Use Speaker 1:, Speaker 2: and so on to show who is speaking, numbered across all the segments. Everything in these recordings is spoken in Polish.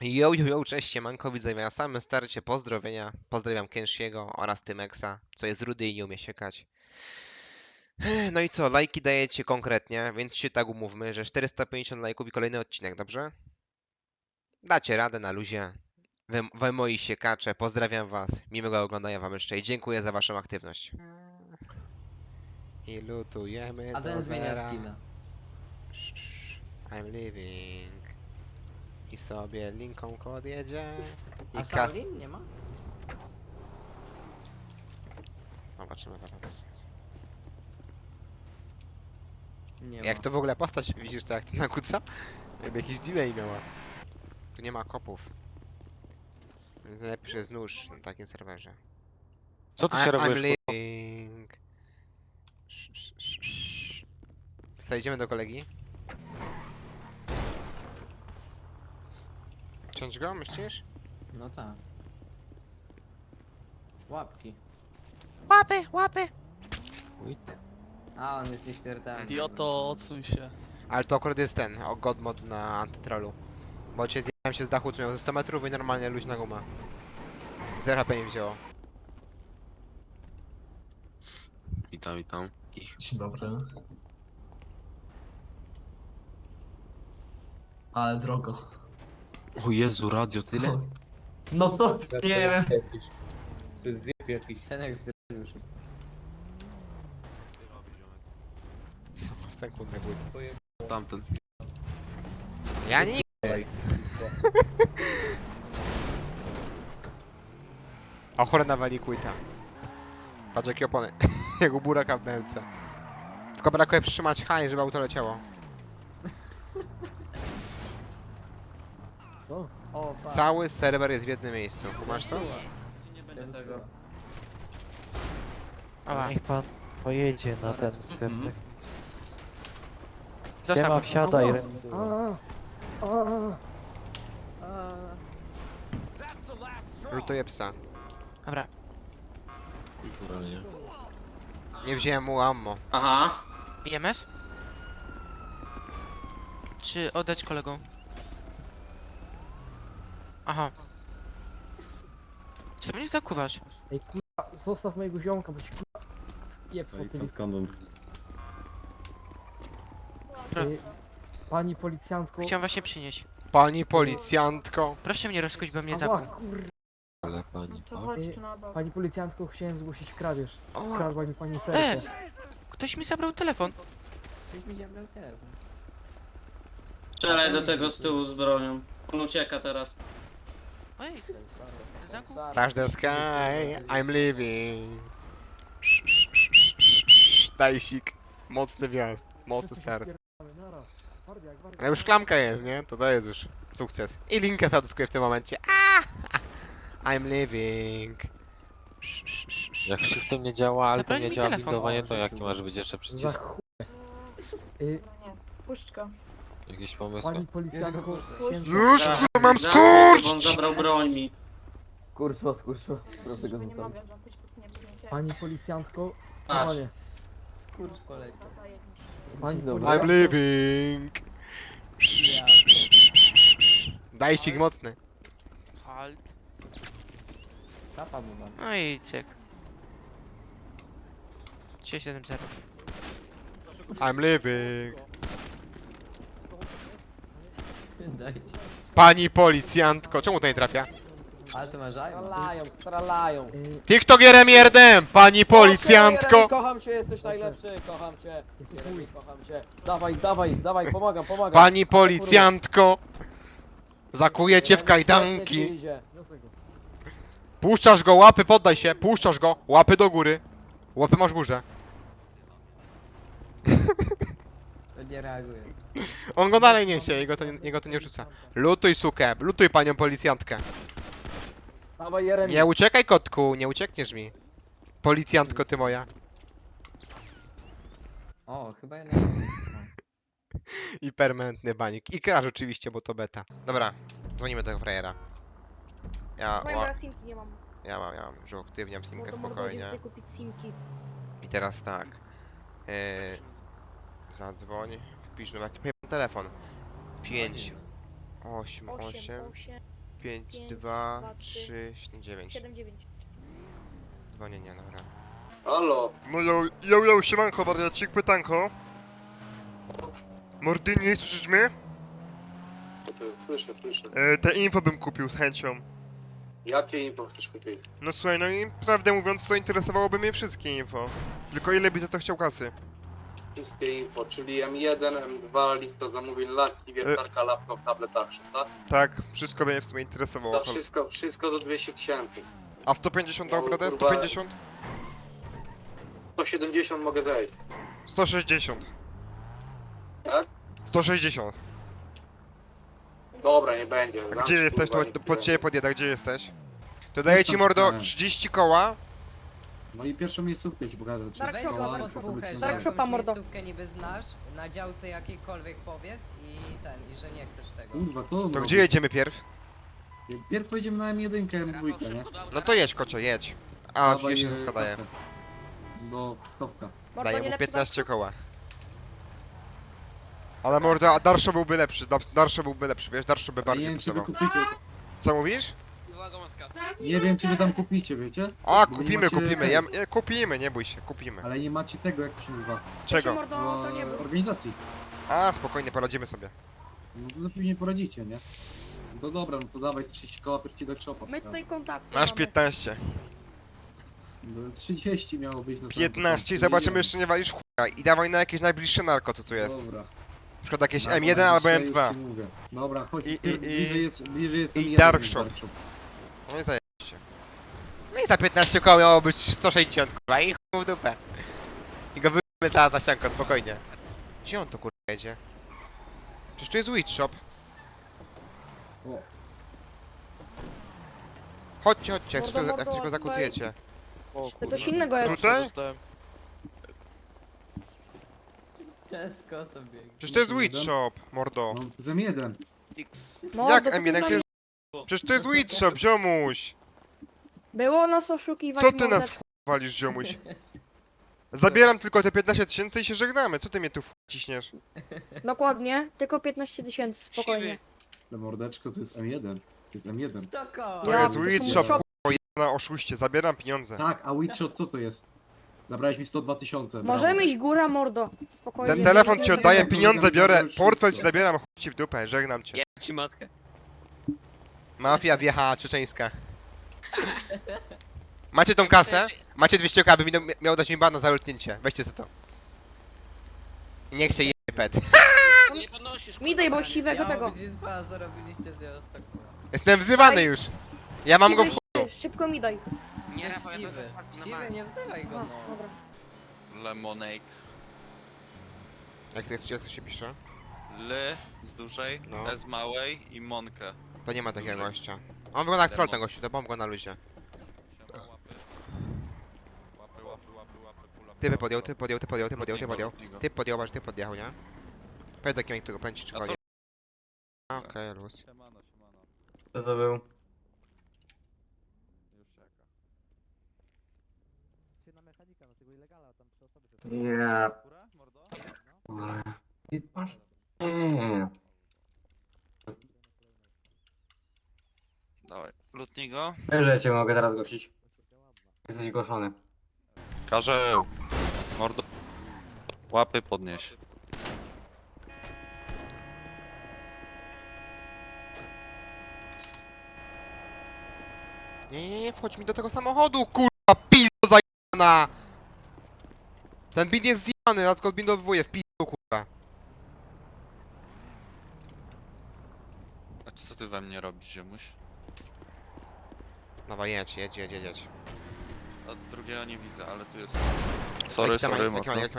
Speaker 1: Yo, cześć, siemanko, widzowie, na samym starcie pozdrowienia. Pozdrawiam Kenshiego oraz Tymeksa, co jest rudy i nie umie siekać. No i co, lajki dajecie konkretnie, więc się tak umówmy, że 450 lajków i kolejny odcinek, dobrze? Dacie radę na luzie. Wy moi siekacze, pozdrawiam was, miłego oglądania wam jeszcze i dziękuję za waszą aktywność. I lutujemy
Speaker 2: A
Speaker 1: do
Speaker 2: ten zmienia
Speaker 1: zera.
Speaker 2: skina.
Speaker 1: I'm leaving. I sobie Linką odjedzie.
Speaker 2: A
Speaker 1: I
Speaker 2: Shaolin nie ma?
Speaker 1: Zobaczymy teraz.
Speaker 2: Nie
Speaker 1: Jak
Speaker 2: ma.
Speaker 1: to w ogóle postać, widzisz to jak to nakłóca? Jakby jakiś delay miała. Tu nie ma kopów. Więc najlepiej jest nóż na takim serwerze.
Speaker 3: Co ty się
Speaker 1: I'm
Speaker 3: robisz, kurwa?
Speaker 1: leaving. Zajdziemy do kolegi. Ciąć go, myślisz?
Speaker 2: No tak. Łapki.
Speaker 1: Łapy!
Speaker 2: A, on jest nieśmiertelny.
Speaker 4: Idioto, odsuń się.
Speaker 1: Ale to akurat jest ten, god mod na antytrolu. Bo cię zjechałem się z dachu, co miał ze 100 metrów i normalnie luźna guma. 0 HP nie wzięło.
Speaker 3: Witam ich.
Speaker 5: Dzień dobry. Ale drogo.
Speaker 3: O Jezu, radio tyle?
Speaker 5: No co? Nie wiem.
Speaker 6: To jest zjeb jakiś.
Speaker 2: Ten jak zbiera już.
Speaker 1: Sekundę ból.
Speaker 3: Tamten.
Speaker 1: Ja nie. Ochrona wali quita. Patrz jakie opony. Jak u buraka w BMC. Tylko brakuje przytrzymać high, żeby auto leciało.
Speaker 2: Co? O, pa.
Speaker 1: Cały serwer jest w jednym miejscu. Masz to?
Speaker 2: Nie będę tego.
Speaker 7: Niech pan pojedzie na ten sklepek.
Speaker 4: Zostaw
Speaker 7: Siema,
Speaker 4: go.
Speaker 7: wsiadaj, Remsu.
Speaker 1: Lutuję psa.
Speaker 4: Dobra.
Speaker 3: Kulturalnie.
Speaker 1: Nie wziąłem mu ammo.
Speaker 6: Aha.
Speaker 4: BMS? Czy oddać kolegom? Aha. Co mnie zakuwasz?
Speaker 8: Ej kurwa, zostaw mojego ziomka, bo ci kurwa jeb fotylicę.
Speaker 4: Pro,
Speaker 8: Pani policjantko.
Speaker 4: chciałem właśnie przynieść.
Speaker 1: Pani policjantko.
Speaker 4: Proszę mnie rozkuć, bo mnie
Speaker 8: Ała,
Speaker 4: zakuł.
Speaker 8: kurwa.
Speaker 3: Ale pani.
Speaker 9: To chodź tu na bok.
Speaker 8: Pani policjantko, chciałem zgłosić kradzież.
Speaker 4: Ała.
Speaker 8: Skradła mi pani serce.
Speaker 4: Ktoś mi zabrał telefon.
Speaker 2: Ktoś mi zabrał telefon.
Speaker 6: Strzelaj do tego z tyłu z bronią. On ucieka teraz.
Speaker 4: Ej, zakuł.
Speaker 1: Touch the sky. I'm leaving. Dajsik. Mocny wjazd. Mocny start.
Speaker 8: Naraz. Twardiak,
Speaker 1: Ale już klamka jest, nie? To jest już sukces. I linkę zadyskuję w tym momencie. Ah! I'm leaving.
Speaker 3: Jak shiftem nie działa, ale to
Speaker 4: Zabrali
Speaker 3: nie
Speaker 4: mi
Speaker 3: działa
Speaker 4: telefon.
Speaker 3: bindowanie, to jaki może być jeszcze
Speaker 8: Za
Speaker 3: przycisk?
Speaker 8: chuj.
Speaker 9: Nie, puść go.
Speaker 3: Jakieś pomysły?
Speaker 8: Pani policjantko, chciałem...
Speaker 1: Już
Speaker 6: Tak,
Speaker 1: kurwa mam
Speaker 6: zamknij, bo On
Speaker 1: skurcz!
Speaker 6: zabrał broń mi.
Speaker 5: Kurwa. Proszę go
Speaker 9: Nie
Speaker 5: zostawić.
Speaker 9: mogę zamknąć, bo nie przyjdzie.
Speaker 8: Pani policjantko,
Speaker 6: Masz.
Speaker 8: panie.
Speaker 2: Kurcz poleciał.
Speaker 8: Pani
Speaker 5: Dzień dobry.
Speaker 1: I'm
Speaker 8: policjantko,
Speaker 1: leaving. Dajcik mocny.
Speaker 4: Halt.
Speaker 2: Tapa mu mam.
Speaker 4: No i cyk. 370.
Speaker 1: I'm leaving.
Speaker 2: Dajcie.
Speaker 1: Pani policjantko. Czemu to nie trafia?
Speaker 2: Ale to ma żajma.
Speaker 5: Stralają.
Speaker 1: TikTokierem jerdem! Pani policjantko!
Speaker 5: Kocham cię, jesteś najlepszy, kocham cię. Jeremy, kocham cię. Dawaj, pomagam.
Speaker 1: Pani policjantko! Zakuję cię w
Speaker 5: Jeremy,
Speaker 1: kajdanki.
Speaker 5: świetnie ci idzie.
Speaker 8: Wniosek go.
Speaker 1: Puszczasz go, łapy, poddaj się. Puszczasz go, łapy do góry. Łapy masz w górze.
Speaker 2: To nie reaguje.
Speaker 1: On go dalej niesie, jego to nie rzuca. Lutuj sukę, lutuj panią policjantkę.
Speaker 5: Dawaj, Jeremy.
Speaker 1: Nie uciekaj kotku, nie uciekniesz mi. Policjantko ty moja.
Speaker 2: O, chyba jednak.
Speaker 1: I permanentny banik. I crash oczywiście, bo to beta. Dobra, dzwonimy do tego frajera.
Speaker 9: Moja simki nie mam.
Speaker 1: Ja mam, już uaktywniam simkę
Speaker 9: Bo to mogę
Speaker 1: spokojnie.
Speaker 9: gdzieś kupić simki.
Speaker 1: I teraz tak. Zadzwoń, wpisz numer, jaki telefon. 5, 8, 8,
Speaker 9: 8.
Speaker 1: 5,
Speaker 9: 5,
Speaker 1: 2,
Speaker 9: 2,
Speaker 1: 3, 7, 9.
Speaker 9: 7-9.
Speaker 1: Dzwonienie, dobra.
Speaker 6: Halo?
Speaker 1: No yo, siemanko, wariacik, pytanko. Mordyni, słyszysz mnie?
Speaker 6: Słyszę.
Speaker 1: Te info bym kupił z chęcią.
Speaker 6: Jakie info chcesz kupić?
Speaker 1: No słuchaj, no i prawdę mówiąc, to interesowałoby mnie wszystkie info. Tylko ile by za to chciał kasy?
Speaker 6: Wszystkie info, czyli M1, M2, lista zamówień, laki, wiertarka, laptop, tablet, action, tak?
Speaker 1: Tak, wszystko by mnie w sumie interesowało.
Speaker 6: To wszystko do 200 tysięcy.
Speaker 1: A 150 dał
Speaker 6: Miał,
Speaker 1: radę?
Speaker 6: kurwa-
Speaker 1: 150?
Speaker 6: 170 mogę zejść.
Speaker 1: 160.
Speaker 6: Tak?
Speaker 1: 160.
Speaker 6: Dobra, nie będzie.
Speaker 1: A
Speaker 6: Dam
Speaker 1: gdzie
Speaker 6: ci,
Speaker 1: jesteś?
Speaker 6: kurwa,
Speaker 1: To
Speaker 6: nic
Speaker 1: pod
Speaker 6: nie
Speaker 1: ciebie
Speaker 6: będzie.
Speaker 1: podjeda, gdzie jesteś? To daję ci mordo 30 koła.
Speaker 10: No i pierwszą miejscówkę ci pokażę.
Speaker 9: Dark
Speaker 2: Weź
Speaker 9: Shopa,
Speaker 2: go
Speaker 9: Dark
Speaker 2: pod buchę, że
Speaker 9: Dark
Speaker 2: jakąś
Speaker 9: Shopa, mordo.
Speaker 2: miejscówkę niby znasz, na działce jakiejkolwiek powiedz i że nie chcesz tego.
Speaker 10: Kurwa,
Speaker 1: To gdzie jedziemy pierw?
Speaker 10: Pierw pojedziemy na M1, M2, nie?
Speaker 1: No to jedź, kocio, jedź. A,
Speaker 10: Dawaj,
Speaker 1: jeszcze słówka daję.
Speaker 10: kasę. Do stopka.
Speaker 9: Mordo,
Speaker 1: Daję
Speaker 9: nie
Speaker 1: mu
Speaker 9: lepszy
Speaker 1: 15 koła. Ale mordo, a Darszo byłby lepszy, Darszo byłby lepszy, wiesz, Darszo by
Speaker 10: Nie
Speaker 1: bardziej
Speaker 10: wiem, czy wy
Speaker 1: pasował.
Speaker 10: kupicie.
Speaker 1: Co mówisz?
Speaker 10: Nie wiem, czy wy tam kupicie, wiecie?
Speaker 1: A,
Speaker 10: Bo nie
Speaker 1: kupimy,
Speaker 10: macie
Speaker 1: kupimy,
Speaker 10: tego.
Speaker 1: kupimy, nie bój się, kupimy.
Speaker 10: Ale nie macie tego, jak to się nazywa.
Speaker 1: Czego?
Speaker 9: Mordo, to nie był.
Speaker 10: Organizacji.
Speaker 1: A, spokojnie, poradzimy sobie.
Speaker 10: No to później poradzicie, nie? No dobra, no to dawaj 30 koła pierci do shopa.
Speaker 9: My tutaj kontakty
Speaker 1: Masz
Speaker 9: mamy.
Speaker 1: 15.
Speaker 10: No, 30 miało być na
Speaker 1: 15 i zobaczymy, jeszcze nie walisz chuja. I dawaj na jakieś najbliższe narko, co tu jest.
Speaker 10: Dobra.
Speaker 1: Na przykład jakieś
Speaker 10: Dobra,
Speaker 1: M1 albo
Speaker 10: dzisiaj już
Speaker 1: M2.
Speaker 10: ci mówię. Dobra, chodź.
Speaker 1: I-
Speaker 10: bliżej jest
Speaker 1: i
Speaker 10: M1
Speaker 1: Dark
Speaker 10: niż
Speaker 1: Shop.
Speaker 10: Dark Shop.
Speaker 1: No i zajebiście. No i za 15 koło miało być 160, kurwa, i chuj w dupę. I go wyjmy ta ścianko, spokojnie. Gdzie on to kurwa jedzie? Przecież tu jest Witch Shop.
Speaker 10: O.
Speaker 1: Chodźcie, jak
Speaker 9: Mordo,
Speaker 1: tylko
Speaker 9: mordo,
Speaker 1: go zakutujecie.
Speaker 9: To coś innego jest.
Speaker 1: Tutaj?
Speaker 2: Ciasko sobie.
Speaker 1: Przecież to jest Witch Shop, mordo.
Speaker 10: No, to jest M1.
Speaker 9: Mordo,
Speaker 1: Jak
Speaker 9: co ty
Speaker 1: M1?
Speaker 9: zrobiłeś?
Speaker 1: Przecież to jest Witch Shop, ziomuś!
Speaker 9: Było nas oszukiwać,
Speaker 1: Co ty nas
Speaker 9: mordeczko.
Speaker 1: w chuj walisz, ziomuś? Zabieram tylko te 15 tysięcy i się żegnamy. Co ty mnie tu w chuj ciśniesz?
Speaker 9: Dokładnie, tylko 15 tysięcy, spokojnie.
Speaker 10: To mordeczko to jest M1. To jest M1.
Speaker 2: Stoko!
Speaker 1: To
Speaker 9: Ja,
Speaker 1: jest
Speaker 9: to
Speaker 1: Witch
Speaker 9: są
Speaker 1: Shop,
Speaker 9: shop-
Speaker 1: kurwa, na oszuście. Zabieram pieniądze.
Speaker 10: Tak, a Witchshot co to jest? Zabrałeś mi 102 tysiące.
Speaker 9: Możemy iść góra, mordo. Spokojnie.
Speaker 1: Ten telefon
Speaker 9: nie
Speaker 1: ci
Speaker 9: jest
Speaker 1: oddaję,
Speaker 9: tego.
Speaker 1: pieniądze biorę, portfel ci zabieram, chuj ci w dupę, żegnam cię.
Speaker 3: ci matkę.
Speaker 1: Mafia wjechała czeczeńska. Macie tą kasę? Macie 200 k, by miał dać mi bana za lutnięcie. Weźcie sobie to. I niech się je pet.
Speaker 9: Mi daj, bo siwego
Speaker 2: Miało
Speaker 9: tego.
Speaker 2: być dwa, zarobiliście z niego stoko.
Speaker 1: Jestem wzywany już. Ja mam go w
Speaker 9: Siwy,
Speaker 1: chuju.
Speaker 9: szybko mi daj.
Speaker 4: Nie,
Speaker 2: Jesteś
Speaker 4: Rafał, ja
Speaker 2: siwy.
Speaker 4: będę patrzył na
Speaker 2: Siwy,
Speaker 4: mapę.
Speaker 2: nie wzywaj go,
Speaker 9: No,
Speaker 2: no.
Speaker 9: dobra.
Speaker 3: Lemonade.
Speaker 1: Jak to się pisze?
Speaker 3: L z dużej,
Speaker 1: No.
Speaker 3: S małej i Monkę.
Speaker 1: To nie ma takiego gościa. On wygląda jak troll ten gościu, to bomb go na luzie.
Speaker 3: Siema, łapy. Łapy, pula.
Speaker 1: Ty podjął. Ty podjechał, nie? Powiedz jakim którego pędzi czy
Speaker 3: A to-
Speaker 1: konie. Okej, luz.
Speaker 3: Siemano.
Speaker 5: Co to był?
Speaker 3: Już czeka.
Speaker 5: Ja.
Speaker 3: Kura, mordo?
Speaker 5: Masz?
Speaker 3: Dawaj, lutnij go.
Speaker 5: Wiesz, że cię mogę teraz gościć. Jesteś goszony.
Speaker 3: Karzeł. Mordo. Łapy podnieś.
Speaker 1: Nie, wchodź mi do tego samochodu, kurwa, pizdo zajebana! Ten bin jest zjebany, zaraz go odbindowuję w pizdu, kurwa.
Speaker 3: A co ty we mnie robisz, ziomuś?
Speaker 1: Dawaj, jedź.
Speaker 3: A drugiego nie widzę, ale tu jest. Sorry, mordo.
Speaker 1: Jak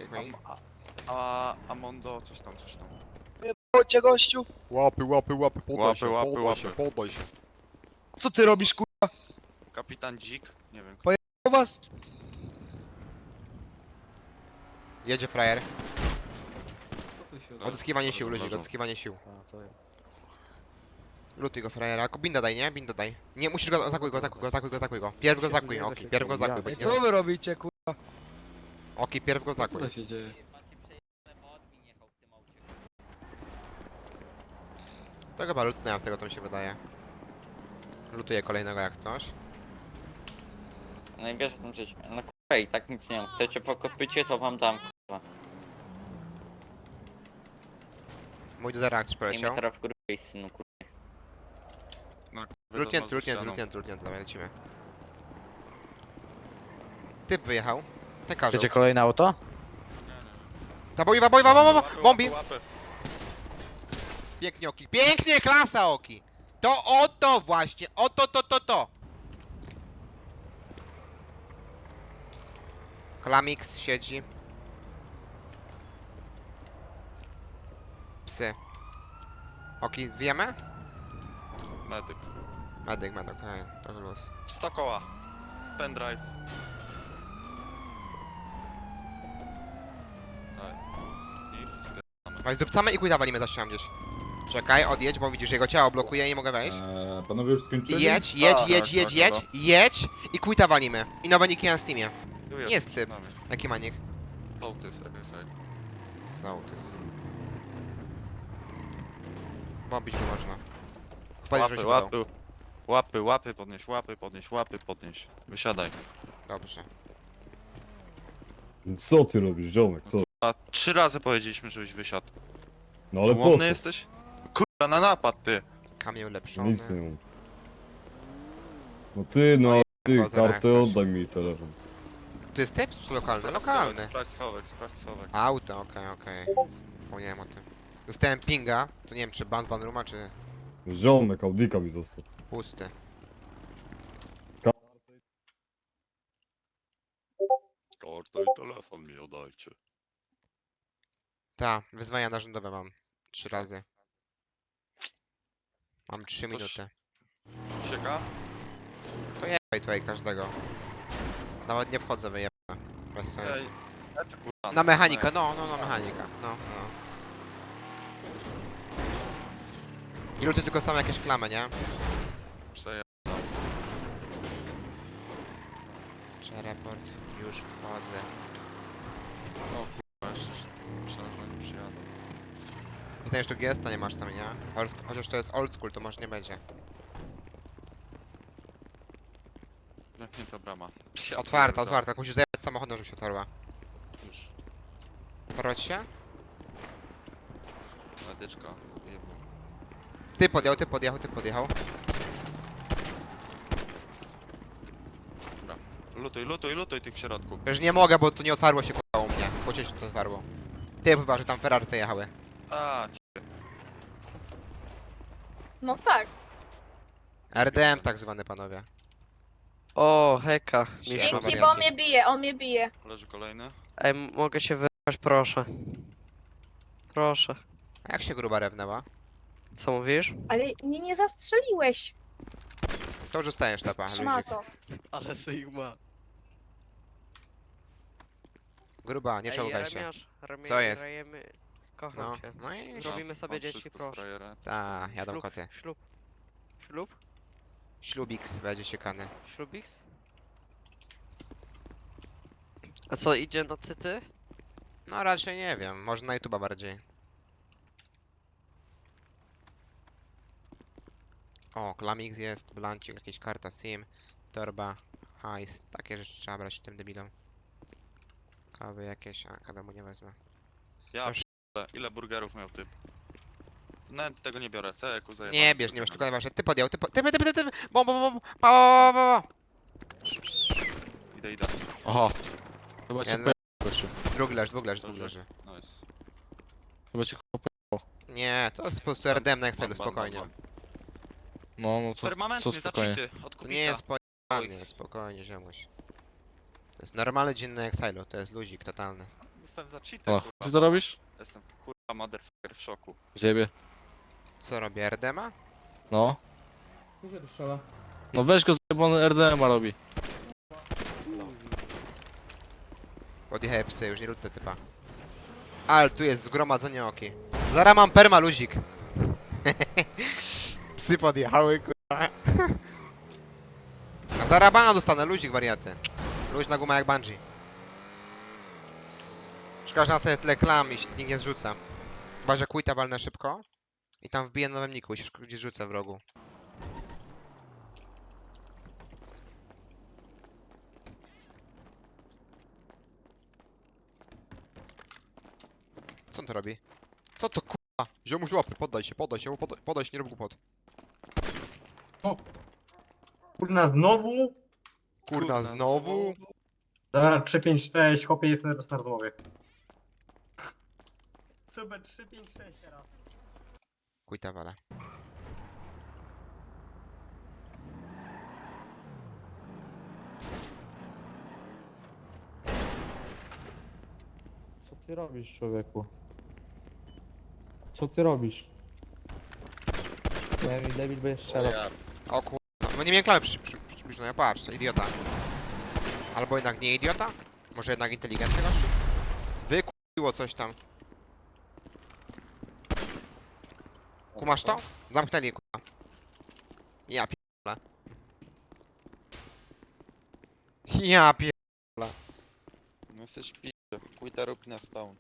Speaker 3: A Mondo, coś tam.
Speaker 11: Chodźcie gościu!
Speaker 1: Łapy,
Speaker 3: Łapy.
Speaker 1: się.
Speaker 11: Co ty robisz kurwa
Speaker 3: Kapitan Dzik, nie wiem.
Speaker 11: u was?
Speaker 1: Jedzie frajer.
Speaker 3: Dobra,
Speaker 1: Odzyskiwanie sił,
Speaker 3: dobra,
Speaker 1: luzik,
Speaker 3: dobra.
Speaker 1: odzyskiwanie sił. Lutuj go frajera, binda daj, nie? Binda daj. Nie, musisz go, zakuj go. Pierw go zakuj, oki, pierw go zakuj.
Speaker 11: I co wy robicie kurwa?
Speaker 1: Oki, pierw go zakuj.
Speaker 10: się dzieje?
Speaker 1: To chyba lutnia, z tego to mi się wydaje. Lutuję kolejnego jak coś.
Speaker 5: No i wiesz o tym życiu. No kurwa, i tak nic nie mam. Chcecie po kopycie, to wam dam.
Speaker 1: Mój do zera ktoś
Speaker 5: I mnie
Speaker 1: poleciał.
Speaker 5: teraz w górę synu kurwa.
Speaker 1: Lutnięty, dawaj lecimy. Typ wyjechał. Ten każą.
Speaker 11: kolejne auto?
Speaker 1: Ta boiwa, bombi! Pięknie Oki, pięknie, klasa Oki! To oto właśnie, to! Klamix siedzi. Psy. Oki, zwijemy?
Speaker 3: Medyk.
Speaker 1: Medyk, okej, to luz.
Speaker 3: 100 koła. Pendrive. Daj. I zbieramy.
Speaker 1: Weź dupcamy i kuj walimy za ścianą gdzieś. Czekaj, odjedź, bo widzisz, jego ciało blokuje i nie mogę wejść.
Speaker 10: Panowie już
Speaker 1: I
Speaker 10: skończyli?
Speaker 1: jedź i quita walimy. I nowe niki na Steamie.
Speaker 3: Tu
Speaker 1: Jest
Speaker 3: przed
Speaker 1: typ.
Speaker 3: nami.
Speaker 1: Jaki manik?
Speaker 3: Sołtys, RSI.
Speaker 1: Sołtys. Bombić go można.
Speaker 3: Łapy, podnieś. Wysiadaj.
Speaker 1: Dobrze.
Speaker 10: Co ty robisz, ziomek, co?
Speaker 3: A 3 razy powiedzieliśmy, żebyś wysiadł.
Speaker 10: No ale po
Speaker 3: Łomny
Speaker 10: co?
Speaker 3: jesteś? Kurwa, na napad ty!
Speaker 1: Kamień ulepszony.
Speaker 10: Nic nie mam. No ty, no
Speaker 1: No
Speaker 10: ty,
Speaker 1: chyba zaraz
Speaker 10: kartę
Speaker 1: coś.
Speaker 10: oddaj mi telefon.
Speaker 1: Tu jest typ czy lokalny? Lokalny.
Speaker 3: Sprawdź schowek.
Speaker 1: Auto, okej. Zapomniałem o tym. Dostałem pinga, to nie wiem czy ban z banruma, czy
Speaker 10: Ziomek, Audika mi został.
Speaker 1: pusty.
Speaker 3: Kartę i telefon mi oddajcie.
Speaker 1: Ta, wyzwania narządowe mam. 3 razy. Mam 3
Speaker 3: Coś-
Speaker 1: minuty.
Speaker 3: Sieka?
Speaker 1: To jebaj tutaj każdego. Nawet nie wchodzę wyjebane. Bez sensu.
Speaker 3: Lecę, kurwa.
Speaker 1: Na mechanika, no, na mechanika. No. I luty tylko są jakieś klamy, nie?
Speaker 3: Przeja-
Speaker 1: Czy report? Już wchodzę.
Speaker 3: O kurwa, jeszcze myślałem, że oni przyjadą.
Speaker 1: Pytanie, czy tu gesta nie masz tam, nie? Chociaż to jest old school, to może nie będzie.
Speaker 3: Zamknięta brama.
Speaker 1: Otwarta. Musisz zajebać samochodem, żeby się otwarła.
Speaker 3: Już.
Speaker 1: Otwarła ci się?
Speaker 3: Medyczka. Jebło.
Speaker 1: Ty podjechał.
Speaker 3: Lutuj tych w środku.
Speaker 1: Przecież nie mogę, bo to nie otwarło się k***a u mnie. Chociaż się to otwarło. Ty chyba, że tam Ferrarce jechały.
Speaker 3: A,
Speaker 9: No tak.
Speaker 1: RDM tak zwany, panowie.
Speaker 4: O, heka.
Speaker 1: Siema,
Speaker 4: Miszu.
Speaker 1: wariacie.
Speaker 9: Dzięki, bo on mnie bije.
Speaker 3: leży kolejny.
Speaker 4: Ej, mogę się wyjechać, proszę. Proszę.
Speaker 1: A jak się gruba rewnęła?
Speaker 4: Co mówisz?
Speaker 9: Ale mnie nie zastrzeliłeś.
Speaker 1: To już dostajesz tapa, luzik.
Speaker 9: Szmato.
Speaker 4: Ale Sigma.
Speaker 1: Gruba, nie czołgaj się.
Speaker 4: Jeremiasz,
Speaker 1: Co jest?
Speaker 4: Kocham
Speaker 1: No,
Speaker 4: cię.
Speaker 1: no i...
Speaker 4: Robimy sobie
Speaker 3: Mam
Speaker 4: dzieci,
Speaker 3: wszystko z
Speaker 4: proszę.
Speaker 3: frajera.
Speaker 1: Ta, jadą koty.
Speaker 4: Ślub?
Speaker 1: Ślubiks będzie siekany.
Speaker 4: Ślubiks? A co, idzie na cyty?
Speaker 1: No raczej nie wiem, może na YouTube'a bardziej. O, Klamix jest, blancik, jakieś karta SIM, torba, hajs, takie rzeczy trzeba brać tym debilom. Kawy jakieś, a kawę mu nie wezmę.
Speaker 3: Ja
Speaker 1: Już.
Speaker 3: p***le, ile burgerów miał typ? Nawet tego nie biorę, co jaku zajebałem.
Speaker 1: Nie bierz, nie masz, tylko najważniejsze, ty podjął, bom, pa.
Speaker 3: Idę.
Speaker 11: Aha. Chyba
Speaker 1: cię Dwóch leży.
Speaker 3: Nice.
Speaker 11: Chyba cię
Speaker 1: Nie, to jest po prostu RDM na Excelu,
Speaker 3: Ban,
Speaker 1: spokojnie.
Speaker 3: ban.
Speaker 11: No
Speaker 3: Permanentny za cheaty, od
Speaker 1: To
Speaker 3: kubika.
Speaker 1: nie jest pojebany, spokojnie, ziomuś. To jest normalny dzień na Excelu, to jest luzik totalny.
Speaker 3: Jestem za cheaty,
Speaker 11: O,
Speaker 3: kurwa.
Speaker 11: ty to robisz?
Speaker 3: Jestem kurwa motherfucker w szoku.
Speaker 11: Zjebie.
Speaker 1: Co robi RDMA?
Speaker 11: No.
Speaker 5: Gdzie tu strzela?
Speaker 11: No weź go zjebany RDMA robi.
Speaker 1: Podjechały psy, już nie lutę typa. Ale tu jest zgromadzenie oki. Zara mam perma luzik. Psy podjechały, kurwa. A zara bana dostanę, luzik wariaty. Luźna guma jak bungee. Szkoda, że na sobie tyle klam i się nikt nie zrzuca. Chyba, że quita walnę szybko. I tam wbiję na nowym niku i się gdzieś rzucę w rogu. Co on to robi? Co to kurwa? Ziomuś łapy, poddaj się, poddaj się, nie rób głupot.
Speaker 10: Kurna, znowu?
Speaker 1: Kurna, znowu?
Speaker 10: Dobra, 356, chłopie, jestem teraz na rozmowie. Super, 356 teraz.
Speaker 1: Kujta wala.
Speaker 7: Co ty robisz, człowieku? Co ty robisz? Debil będziesz strzelał.
Speaker 1: O kurwa, no nie miałem klamy przybliżonej, patrz, to idiota. Albo jednak nie idiota? Może jednak inteligentny gościu? Wykupiło coś tam. Kumasz to? Zamknęli kurwa. Ja pierdolę. Ja pierdolę.
Speaker 3: No jesteś p***. Kujta rób na spawn.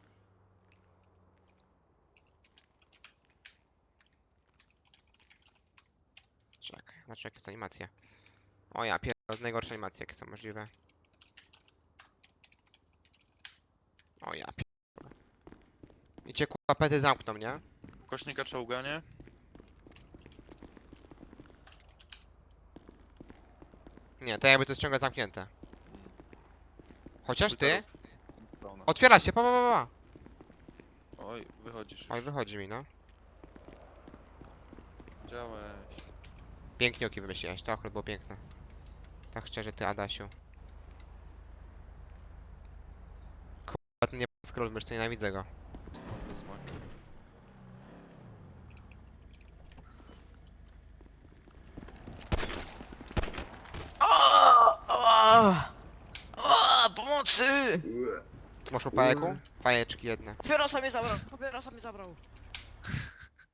Speaker 1: Czekaj, znaczy jakie są animacje. O ja pierdolę, najgorsze animacje jakie są możliwe. O ja pierdolę. I cię kurwa pety zamkną, nie?
Speaker 3: Kośnika czołganie.
Speaker 1: Nie, to jakby to jest ciągle zamknięte. Chociaż ty?
Speaker 3: Spawna.
Speaker 1: Otwiera się, pa.
Speaker 3: Oj, wychodzisz.
Speaker 1: Oj,
Speaker 3: już.
Speaker 1: wychodzi mi, no.
Speaker 3: Działeś.
Speaker 1: Pięknie oki wymyśliłeś, to akurat było piękne. Tak szczerze, ty Adasiu. Kurwa, ten nie scroll, mysz, to nienawidzę go.
Speaker 3: Do smaku.
Speaker 4: Pomocy!
Speaker 1: Masz u pajeku? Pajeczki jedne.
Speaker 4: Papierosa mnie zabrał, papierosa mnie zabrał.